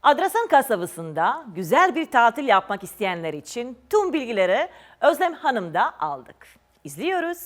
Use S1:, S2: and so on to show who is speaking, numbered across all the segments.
S1: Adrasan kasabasında güzel bir tatil yapmak isteyenler için tüm bilgileri Özlem Hanım'da aldık. İzliyoruz.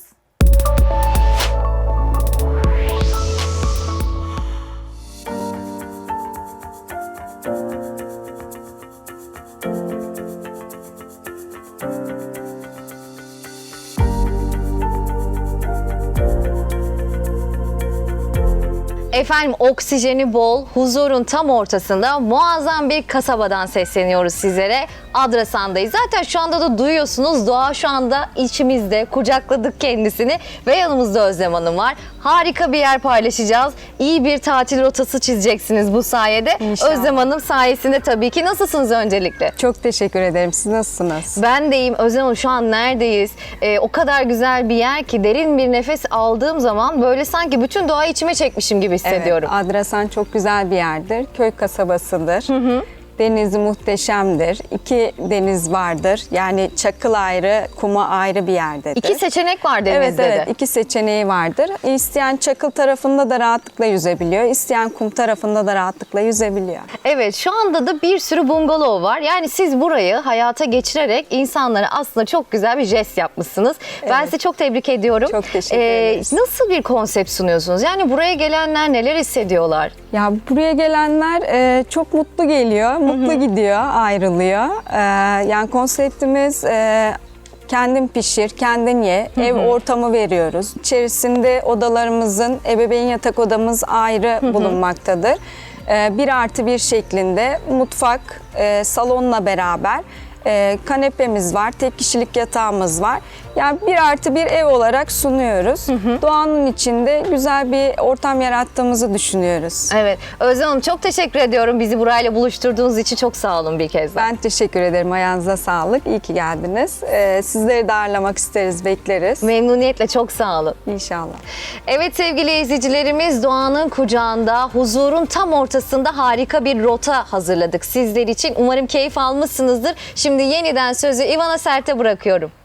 S2: Efendim, oksijeni bol, huzurun tam ortasında muazzam bir kasabadan sesleniyoruz sizlere. Adrasan'dayız. Zaten şu anda da duyuyorsunuz, doğa şu anda içimizde, kucakladık kendisini ve yanımızda Özlem Hanım var. Harika bir yer paylaşacağız. İyi bir tatil rotası çizeceksiniz bu sayede.
S3: İnşallah.
S2: Özlem Hanım sayesinde tabii ki. Nasılsınız öncelikle?
S3: Çok teşekkür ederim. Siz nasılsınız?
S2: Ben deyim. Özlem Hanım, şu an neredeyiz? O kadar güzel bir yer ki derin bir nefes aldığım zaman böyle sanki bütün doğayı içime çekmişim gibi hissediyorum.
S3: Evet, Adrasan çok güzel bir yerdir. Köy kasabasıdır. Denizi muhteşemdir. İki deniz vardır. Yani Çakıl ayrı, Kuma ayrı bir yerdedir.
S2: İki seçenek var
S3: Evet,
S2: denizde
S3: evet.
S2: de.
S3: İki seçeneği vardır. İsteyen Çakıl tarafında da rahatlıkla yüzebiliyor. İsteyen Kum tarafında da rahatlıkla yüzebiliyor.
S2: Evet, şu anda da bir sürü bungalov var. Yani siz burayı hayata geçirerek insanlara aslında çok güzel bir jest yapmışsınız. Ben sizi çok tebrik ediyorum.
S3: Çok teşekkür ederiz.
S2: Nasıl bir konsept sunuyorsunuz? Yani buraya gelenler neler hissediyorlar?
S3: Ya buraya gelenler çok mutlu geliyor, mutlu gidiyor, ayrılıyor. Yani konseptimiz kendin pişir, kendin ye, ev ortamı veriyoruz. İçerisinde odalarımızın, ebeveyn yatak odamız ayrı bulunmaktadır. 1+1 şeklinde mutfak, salonla beraber kanepemiz var, tek kişilik yatağımız var. Yani 1+1 ev olarak sunuyoruz. Doğanın içinde güzel bir ortam yarattığımızı düşünüyoruz.
S2: Evet, Özlem Hanım çok teşekkür ediyorum. Bizi burayla buluşturduğunuz için çok sağ olun bir kez daha.
S3: Ben teşekkür ederim. Ayağınıza sağlık. İyi ki geldiniz. Sizleri de ağırlamak isteriz, bekleriz.
S2: Memnuniyetle, çok sağ olun.
S3: İnşallah.
S2: Evet sevgili izleyicilerimiz, doğanın kucağında, huzurun tam ortasında harika bir rota hazırladık sizler için. Umarım keyif almışsınızdır. Şimdi yeniden sözü Ivana Sert'e bırakıyorum.